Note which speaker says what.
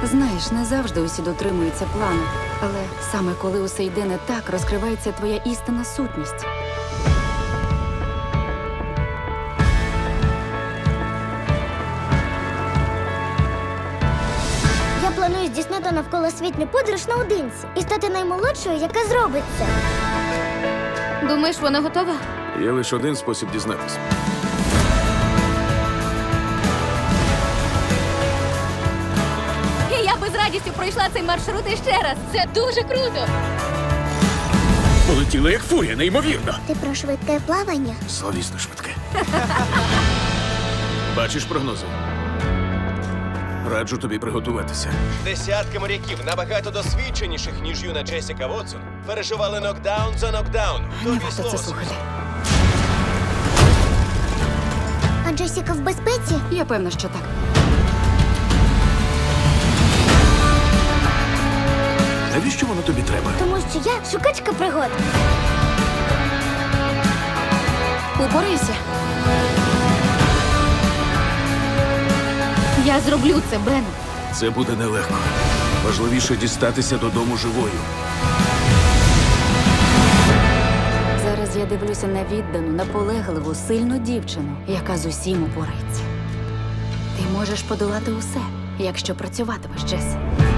Speaker 1: Знаєш, не завжди усі дотримуються плану. Але саме коли усе йде не так, розкривається твоя істинна сутність.
Speaker 2: Я планую здійснити навколосвітню подорож наодинці і стати наймолодшою, яка зробить це.
Speaker 3: Думаєш, вона готова?
Speaker 4: Є лише один спосіб дізнатися.
Speaker 3: І я би з радістю пройшла цей маршрут іще раз. Це дуже круто.
Speaker 4: Полетіла як фурія, неймовірно.
Speaker 2: Ти про швидке плавання?
Speaker 4: Словісно швидке. Бачиш прогнози? Раджу тобі приготуватися.
Speaker 5: Десятки моряків, набагато досвідченіших, ніж юна Джесіка Вотсон, переживали нокдаун за нокдауном.
Speaker 1: Не
Speaker 5: Тобі
Speaker 1: варто
Speaker 5: слово
Speaker 1: це слухати.
Speaker 2: А Джесіка в безпеці?
Speaker 1: Я певна, що так.
Speaker 4: Навіщо воно тобі треба?
Speaker 2: Тому що я шукачка пригод.
Speaker 1: Упорайся.
Speaker 3: Я зроблю це, Бен.
Speaker 4: Це буде нелегко. Важливіше дістатися додому живою.
Speaker 1: Зараз я дивлюся на віддану, наполегливу, сильну дівчину, яка з усім упорається. Ти можеш подолати усе, якщо працюватимеш, Джес.